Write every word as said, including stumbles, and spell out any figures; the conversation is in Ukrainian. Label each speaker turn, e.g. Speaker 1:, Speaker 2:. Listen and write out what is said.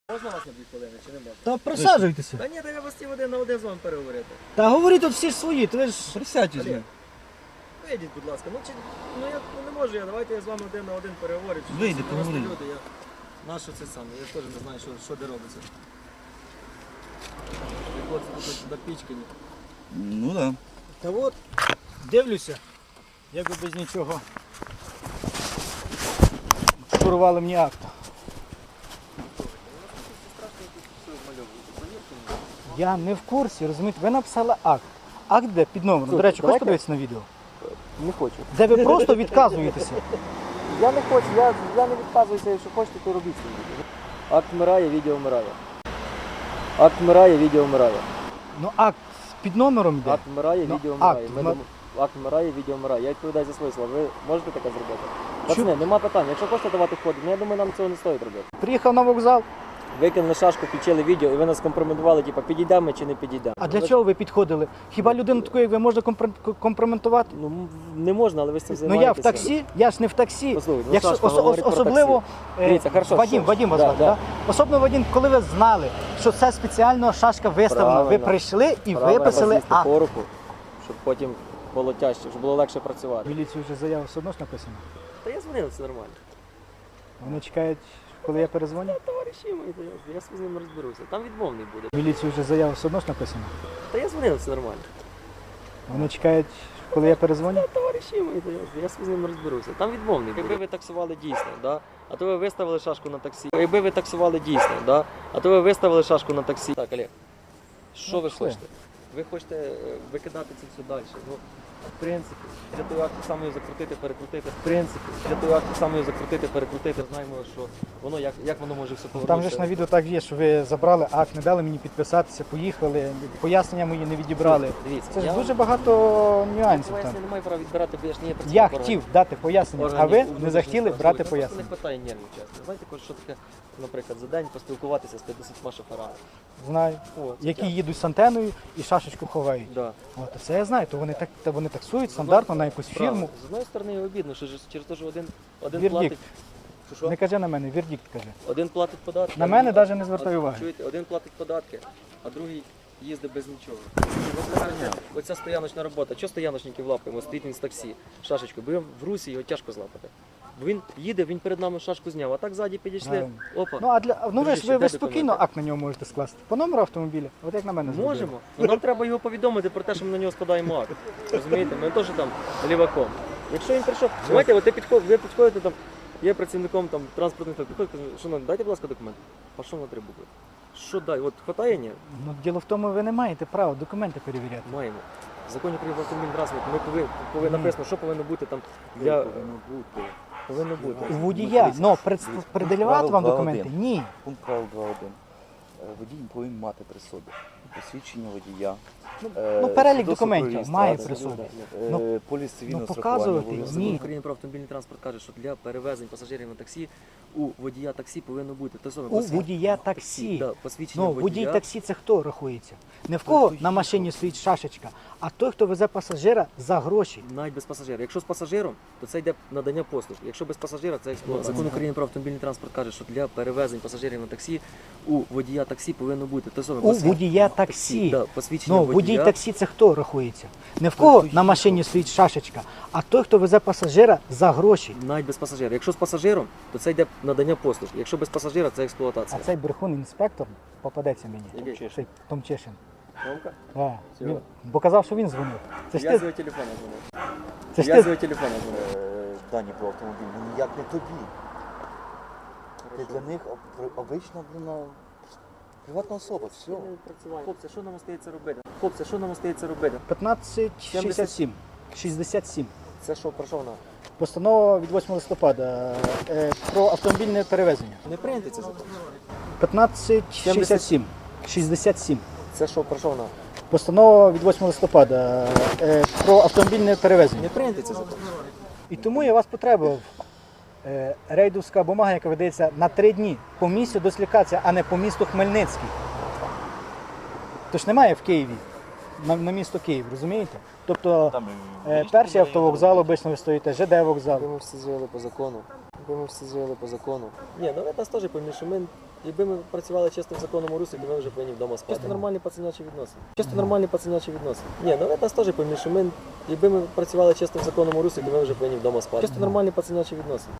Speaker 1: Можна вас на дві хвилини чи не можна?
Speaker 2: Та присаджуйтеся.
Speaker 1: Та ні, та я вас ті один на один з вами переговорити.
Speaker 2: Та говоріть тут всі ж свої, то ви ж...
Speaker 3: Присядьте з
Speaker 1: Олег,
Speaker 3: ним.
Speaker 1: вийдіть, будь ласка. Ну, чи, ну я ну, не можу, я, давайте я з вами один на один переговорю. Чи
Speaker 3: Вийди,
Speaker 1: щось, просто
Speaker 3: поговори.
Speaker 1: люди, я... Нащо це саме? Я теж не знаю, що, що де робиться. І хлопці тут допічкані.
Speaker 3: Ну так.
Speaker 2: Та от, дивлюся, як би без нічого шурували мені акт. Я не в курсі, розумієте, ви написали акт. Акт де під номером. До речі, хочете подивитися на відео?
Speaker 1: Не хочу.
Speaker 2: Де ви просто відказуєтеся.
Speaker 1: Я не хочу, я, я не відказуюся, якщо хочете, то робіть собі. Акт вмирає, відео вмирає. Акт вмирає, відео вмирає.
Speaker 2: Ну акт під номером йде.
Speaker 1: Акт вмирає,
Speaker 2: Ну,
Speaker 1: відео
Speaker 2: акт
Speaker 1: вмирає. Ми
Speaker 2: вмир-
Speaker 1: дом- Акт вмирає, відео вмирає. Я відповідаю за свої слова. Ви можете таке зробити? Пацани, нема питань. Якщо хочете давати ходи, ну я думаю, нам цього не стоїть робити.
Speaker 2: Приїхав на вокзал.
Speaker 1: Викинули шашку, включили відео і ви нас компрометували, типу, підійдемо ми чи не підійдемо.
Speaker 2: А для чого ви підходили? Хіба людину таку, як ви, можна компр- компрометувати?
Speaker 1: Ну м, не можна, але ви з цим
Speaker 2: Ну
Speaker 1: займаєтеся.
Speaker 2: я в таксі, я ж не в таксі.
Speaker 1: Послухайте, ну,
Speaker 2: Якщо,
Speaker 1: Сашка
Speaker 2: ос-
Speaker 1: говорить про
Speaker 2: особливо, е,
Speaker 1: Дивіться, хорошо,
Speaker 2: Вадим,
Speaker 1: що-
Speaker 2: Вадим вас
Speaker 1: да,
Speaker 2: звати,
Speaker 1: да.
Speaker 2: да? Особливо, Вадим, коли ви знали, що це спеціально шашка виставлена, ви
Speaker 1: Правильно.
Speaker 2: прийшли і
Speaker 1: Правильно,
Speaker 2: виписали
Speaker 1: роз'їсти
Speaker 2: акт.
Speaker 1: по руку, щоб потім було тяжче, щоб було легше працювати.
Speaker 2: Міліцію вже заява все одно ж написано.
Speaker 1: Та я дзвонив, все нормально.
Speaker 2: Вони чекають, коли я перезвоню.
Speaker 1: Товариші мої, то я, я з ним розберуся. Там відмовний буде.
Speaker 2: Міліцію вже заява все одно ж написано.
Speaker 1: Та я дзвонив, все нормально.
Speaker 2: Вони чекають, коли я перезвоню.
Speaker 1: Товариші мої, то я, я з ним розберуся. Там відмовний буде. Якби ви таксували дійсно, да? А то ви виставили шашку на таксі. Якби ви таксували дійсно, да? А то ви виставили шашку на таксі. Так, Олег, що
Speaker 2: Ну,
Speaker 1: ви
Speaker 2: все.
Speaker 1: хочете? Ви хочете е, викидати це все далі. Ну, в принципі, для того, як так само його закрутити, перекрутити. В принципі, для того, як так само його закрутити, перекрутити. Знаємо, що воно, як, як воно може все
Speaker 2: Там
Speaker 1: повернутися.
Speaker 2: же ж на відео так є, що ви забрали акт, не дали мені підписатися, поїхали, пояснення мої не відібрали.
Speaker 1: Дивіться,
Speaker 2: Це ж
Speaker 1: я
Speaker 2: дуже
Speaker 1: вам-
Speaker 2: багато нюансів
Speaker 1: Я
Speaker 2: там.
Speaker 1: не маю права відбирати, бо я ж не є
Speaker 2: Я
Speaker 1: працівник
Speaker 2: хотів дати пояснення, а ви не захотіли брати
Speaker 1: пояснення.
Speaker 2: пояснення.
Speaker 1: Не питає нервів, чесно. Знаєте, каже, що таке, наприклад, за день поспілкуватися з п'ятдесятьма шоферами.
Speaker 2: Знаю.
Speaker 1: О, це
Speaker 2: Які
Speaker 1: тяжко.
Speaker 2: їдуть з антеною і шашечку ховають.
Speaker 1: Да.
Speaker 2: От, це я знаю, то вони так, то вони таксують стандартно на якусь
Speaker 1: Правильно.
Speaker 2: фірму.
Speaker 1: З одної сторони обідно, що ж через те, що один, один
Speaker 2: Вердикт.
Speaker 1: платить. Що, що?
Speaker 2: Не кажи на мене, вердикт кажи.
Speaker 1: Один платить податки.
Speaker 2: На
Speaker 1: а
Speaker 2: мене
Speaker 1: другий-
Speaker 2: навіть не звертай
Speaker 1: а-
Speaker 2: уваги.
Speaker 1: Чуєте, один платить податки, а другий їздить без нічого. Оце, оця стояночна робота. Чого стояночників лапаємо? Стоїть він з таксі, шашечкою. Бо в Русі його тяжко злапати. Бо він їде, він перед нами шашку зняв, а так ззаді підійшли.
Speaker 2: Правильно.
Speaker 1: Опа.
Speaker 2: Ну а для ну ви ж
Speaker 1: Дружище,
Speaker 2: ви, ви
Speaker 1: де
Speaker 2: спокійно
Speaker 1: документи?
Speaker 2: акт на нього можете скласти. По номеру автомобіля, от як на мене зробили.
Speaker 1: Можемо. Ну, нам треба його повідомити про те, що ми на нього складаємо акт. Розумієте? Ми теж там ліваком. Якщо він прийшов, знаєте, от ти підход, ви підходите там, є працівником там транспортних служб, підходите, кажуть, шановні, дайте, будь ласка, документ. Пішов на три букви. Що дай? От хватає, ні?
Speaker 2: Ну діло в тому, ви не маєте права документи перевіряти.
Speaker 1: Маємо. В законі про автомобільний транспорт ми повинні, повинні
Speaker 2: Ні.
Speaker 1: написано, що повинно бути там для...
Speaker 3: Повинно бути.
Speaker 1: Повинно бути.
Speaker 2: У водія, ну пред, пред'являти вам
Speaker 3: Правило
Speaker 2: документи?
Speaker 3: два один.
Speaker 2: Ні.
Speaker 3: Пункт правил два один. Е, Водій повинен мати при собі посвідчення водія.
Speaker 2: Ну,
Speaker 3: е,
Speaker 2: ну, перелік
Speaker 3: свідоцтво
Speaker 2: документів
Speaker 3: про
Speaker 2: має
Speaker 3: реєстрацію,
Speaker 2: при собі.
Speaker 3: е,
Speaker 2: Ну,
Speaker 3: поліс цивільного
Speaker 2: ну,
Speaker 3: страхування
Speaker 2: показувати
Speaker 3: обов'язково.
Speaker 2: ні.
Speaker 1: Закон України про автомобільний транспорт каже, що для перевезень пасажирів на таксі у водія таксі повинно бути те саме
Speaker 2: У
Speaker 1: посвід-
Speaker 2: водія таксі.
Speaker 1: Да, посвідчення
Speaker 2: Ну,
Speaker 1: водія.
Speaker 2: водій таксі це хто рахується? Не в кого на машині стоїть шашечка, а той, хто везе пасажира за гроші.
Speaker 1: Навіть без пасажира. Якщо з пасажиром, то це йде надання послуг. Якщо без пасажира, це експлуатація. Закон України про автомобільний транспорт каже, що для перевезень пасажирів на таксі у водія таксі повинно бути те саме
Speaker 2: У
Speaker 1: посвід-
Speaker 2: водія таксі.
Speaker 1: Да, посвідчення
Speaker 2: Ну,
Speaker 1: водія.
Speaker 2: водій таксі це хто рахується? Не в кого на машині стоїть шашечка, а той, хто везе пасажира за гроші.
Speaker 1: Навіть без пасажира. Якщо з пасажиром, то це йде надання послуг. Якщо без пасажира, це
Speaker 2: А
Speaker 1: експлуатація.
Speaker 2: цей брехун інспектор попадеться мені.
Speaker 1: Який?
Speaker 2: Цей Томчишин.
Speaker 1: Ромка?
Speaker 2: Да.
Speaker 1: Чого?
Speaker 2: Він, бо казав, що він дзвонив. Це ж
Speaker 1: Я з
Speaker 2: ти,
Speaker 1: його телефона дзвонив.
Speaker 2: це ж
Speaker 1: Я з
Speaker 2: ти,
Speaker 1: його телефона дзвонив.
Speaker 3: Е, Дані про автомобіль, ну ніяк не тобі. Ти для них об- обична, блін, приватна особа, все.
Speaker 1: Хлопці, що нам остається робити? Хлопці, що нам остається робити?
Speaker 2: п'ятнадцять шістдесят сім. шістдесят сім.
Speaker 1: Це що, про що вона?
Speaker 2: Постанова від восьмого листопада е, про автомобільне перевезення.
Speaker 1: Не прийняти це закон.
Speaker 2: п'ятнадцять шістдесят сім. шістдесят сім.
Speaker 1: Це що, про що вона?
Speaker 2: Постанова від восьмого листопада е, про автомобільне перевезення.
Speaker 1: Не прийняти це закон.
Speaker 2: І тому я вас потребував. Е, рейдовська бумага, яка видається на три дні по місцю дислокації, а не по місту Хмельницький. Тож немає в Києві, на, на місто Київ, розумієте? Тобто
Speaker 3: Там,
Speaker 2: е, перший автовокзал обично ви стоїте, ЖД вокзал.
Speaker 1: Ми всі жили по закону. Ми всі жили по закону. Ні, ну ви нас теж поймі, що ми якби ми працювали чисто в законному руслі, то ми вже повинні вдома спати. Чисто нормальні пацанячі відносини. Чисто нормальні пацанячі відносини. Ні, ну ви нас теж пойміть, що ми, якби ми працювали чисто в законному руслі, то ми вже повинні вдома спати. Чисто нормальні пацанячі відносини.